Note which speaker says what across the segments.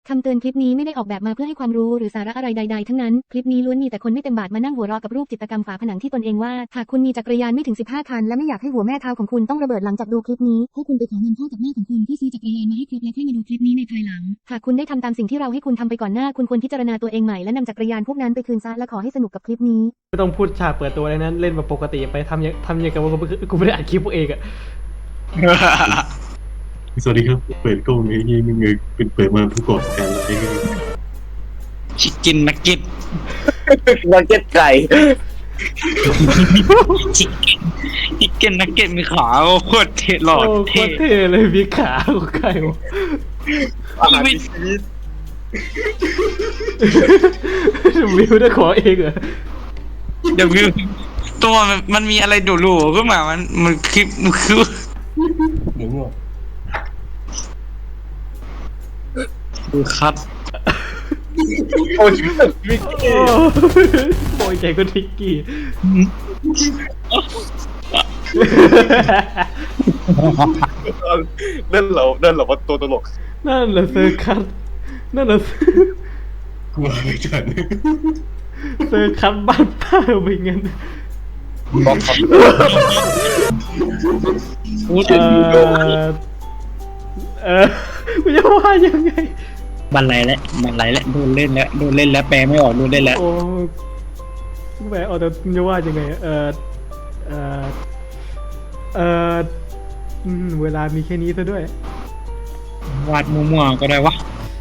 Speaker 1: คำเตือนคลิปนี้ไม่ได้ออกแบบมาเพื่อให้ความรู้หรือสาระอะไรใดๆทั้งนั้นคลิปนี้ล้วนมีแต่คนไม่เต็มบาทมานั่งหัวเราะกับรูปจิตรกรรมฝาผนังที่ตนเองวาดหากคุณมีจักรยานไม่ถึง15คันและไม่อยากให้หัวแม่เท้าของคุณต้องระเบิดหลังจากดูคลิปนี้ให้คุณไปขอเงินพ่อกับแม่ของคุณเพื่อซื้อจักรยานมาให้ครบแล้วค่อยมาดูคลิปนี้ในภายหลังหากคุณได้ทำตามสิ่งที่เราให้คุณทำไปก่อนหน้าคุณควรพิจารณาตัวเองใหม่และนำจักรยานพวกนั้นไปคืนซะและขอให้สนุกกับคลิปนี้
Speaker 2: ไม่ต้องพูดฉากเปิดตัวอะไรนั้นเล่นแบบปกติไปทำอย่างกับว่ากูไม่ได้อัดคลิปพวกเองอะ
Speaker 3: สวัสดีครับเปิดกล้องไอ้ยี่มึงเป็นเปิดมาผู้ก่อการอะไรกัน
Speaker 4: ชิคกินนักเก็ต
Speaker 5: นักเก็ตไก่
Speaker 4: ชิคเก้นนักเก็ตมีขาโคตรเท่หล่อ
Speaker 2: โอ้โค
Speaker 4: เท่
Speaker 2: ตรเท่เลยมีขาของใครวะ
Speaker 5: อาหารมีชีวิต
Speaker 2: วิวได้ขอเองเหรอ
Speaker 4: เดี๋ยวตัวมันมีอะไรดูรูขึ้นมามันคือ
Speaker 3: หมูงอก
Speaker 4: ดูคัด
Speaker 5: โอ้ยชีวิตวิก
Speaker 2: โอ้โอยใจก็ทิกกี้
Speaker 5: นั่นเราว่าตัวตลก
Speaker 2: นั่นแหละเซอร์คัสนั่นแหละ
Speaker 3: กลัวไม่ทัน
Speaker 2: เซอร์คัสบ้านป้าไปงั้น
Speaker 5: บอกครับ
Speaker 4: พูด
Speaker 2: ไม่จะว่ายังไง
Speaker 4: บันไลแล้วโดนเล่นแล้วแปลไม่ออกโดนเล่นแล้ว
Speaker 2: โอ้แหมเอาแต่จะว่ายังไงเวลามีแค่นี้ซะด้วย
Speaker 4: วาดมั่วๆก็ได้วะ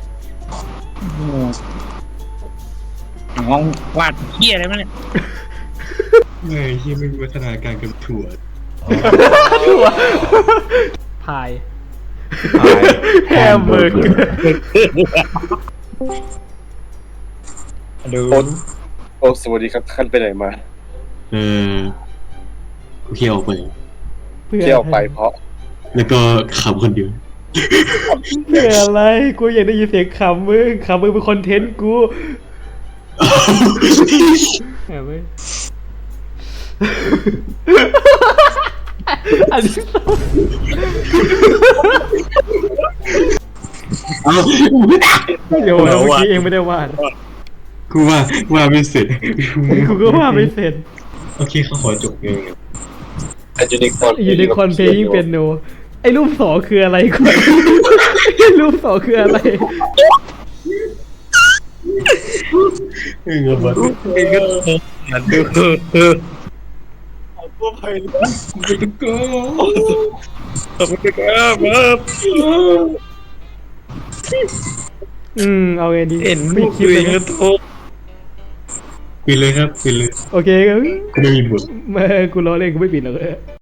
Speaker 4: น้องวาดเหี้ยอะไรมาเนี่ย
Speaker 3: ไงยี่มึงวัฒนาการกับถั่ว
Speaker 2: ถั่วพายแฮมเบอร์เกอร์
Speaker 4: ดู
Speaker 5: โอ้สวัสดีครับท่านไปไหนมา
Speaker 3: กูเที่ยวไป
Speaker 5: เที่ยวไปเพราะ
Speaker 3: แล้วก็ขับคนเดียว
Speaker 2: เพื่ออะไรกูอยากได้ยินเสียงขำมึงเป็นคอนเทนต์กูแหมเว้ยอันนี้เดี๋ยวเมื่อกี้เองไม่ได้วาด
Speaker 3: กูว่าไม่เสร็จ
Speaker 2: กูก็ว่าไม่เสร็จ
Speaker 3: โอเคเขาขอจบเอง
Speaker 5: ยูนิคอร์น
Speaker 2: ยูนิคอร์นเพลยิ่งเป็นโนไอ้รูปสองคืออะไรกูรูปสองคืออะไร
Speaker 3: เงาบัด
Speaker 4: มาดู
Speaker 5: ตัวไผ่
Speaker 3: กูตะโกน
Speaker 4: ขอบคุณครับ
Speaker 2: เอาไงดี
Speaker 4: เห็น
Speaker 2: ปิ
Speaker 4: มุ
Speaker 2: ด
Speaker 4: ก
Speaker 2: คลิป
Speaker 4: เล
Speaker 2: เลย ย
Speaker 4: ก็
Speaker 2: นะ
Speaker 4: โทษ
Speaker 3: ปิดเลยครับปิดเลย
Speaker 2: โอเคครับ
Speaker 3: กูไม่มีบท
Speaker 2: กูล้อเล่นกูไม่ปิดหรอก